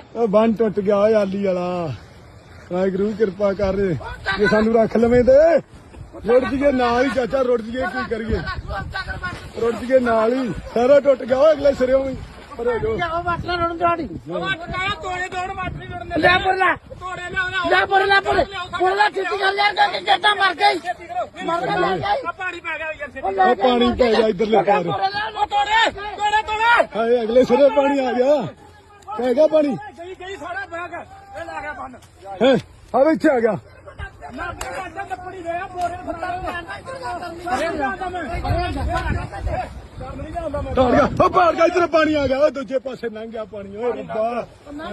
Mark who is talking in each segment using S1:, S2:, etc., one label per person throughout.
S1: ਬੰਨ ਟੁੱਟ ਗਿਆ ਓਏ ਆਲੀ ਵਾਲਾ। ਵਾਹਿਗੁਰੂ ਕਿਰਪਾ ਕਰ ਜੇ ਸਾਨੂੰ ਰੱਖ ਲਵੇਂ ਤੇ ਰੁੜ ਜੀਏ ਨਾਲ ਹੀ ਚਾਚਾ, ਰੁੜ ਜੀਏ ਕੀ ਕਰੀਏ, ਰੁੜ ਜੀਏ ਨਾਲ ਹੀ, ਸਾਰਾ ਟੁੱਟ ਗਿਆ ਓਏ ਅਗਲੇ ਸਿਰੇ ਵੀ।
S2: ਲੈ
S1: ਪਾਣੀ ਪੈ ਗਿਆ ਇਧਰਲੇ ਪਾਰ। ਹਾਏ ਅਗਲੇ ਸਿਰੇ ਪਾਣੀ ਆ ਗਿਆ, ਪੈ ਗਿਆ ਪਾਣੀ। ਹਾਂ ਇੱਥੇ ਆ ਗਿਆ। ਭਾੜ ਗਿਆ ਇਧਰ ਪਾਣੀ ਆ ਗਿਆ, ਦੂਜੇ ਪਾਸੇ ਲੰਘ ਗਿਆ ਪਾਣੀ। ਓਏ ਰੱਬਾ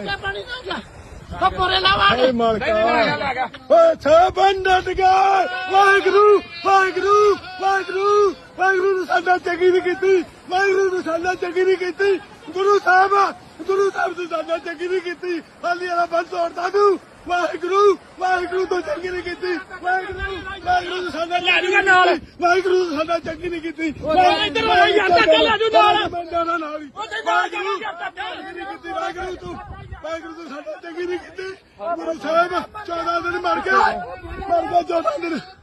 S1: ਹਾਏ ਮਾਲਕਾ ਓਏ ਛਾਬਨ ਡਟ ਗਿਆ। ਵਾਹਿਗੁਰੂ ਵਾਹਿਗੁਰੂ ਵਾਹਿਗੁਰੂ ਵਾਹਿਗੁਰੂ ਨੂੰ ਸਾਡਾ ਚੰਗੀ ਨਹੀਂ ਕੀਤੀ, ਵਾਹਿਗੁਰੂ ਨੂੰ ਸਾਡਾ ਚੰਗੀ ਨਹੀਂ ਕੀਤੀ। ਗੁਰੂ ਸਾਹਿਬ ਨੂੰ ਸਾਡਾ ਚੰਗੀ ਨਹੀਂ ਕੀਤੀ। ਹਾਲੀ ਵਾਲਾ ਬੰਦ ਤੋੜਦਾ ਤੂੰ। ਵਾਹਿਗੁਰੂ ਵਾਹਿਗੁਰੂ ਤੋਂ ਚੰਗੀ ਨਹੀਂ ਕੀਤੀ। ਵਾਹਿਗੁਰੂ ਵਾਹਿਗੁਰੂ ਨੂੰ ਸਾਡਾ ਵਾਹਿਗੁਰੂ ਨੂੰ ਸਾਡਾ ਚੰਗੀ ਨਹੀਂ ਕੀਤੀ। ਵਾਹਿਗੁਰੂ ਤੂੰ ਵਾਹਿਗੁਰੂ ਤੂੰ ਸਾਡਾ ਚੰਗੀ ਨਹੀਂ ਕੀਤੀ। ਗੁਰੂ ਸਾਹਿਬ 14 ਦਿਨ ਮਰ ਗਿਆ 14 ਦਿਨ।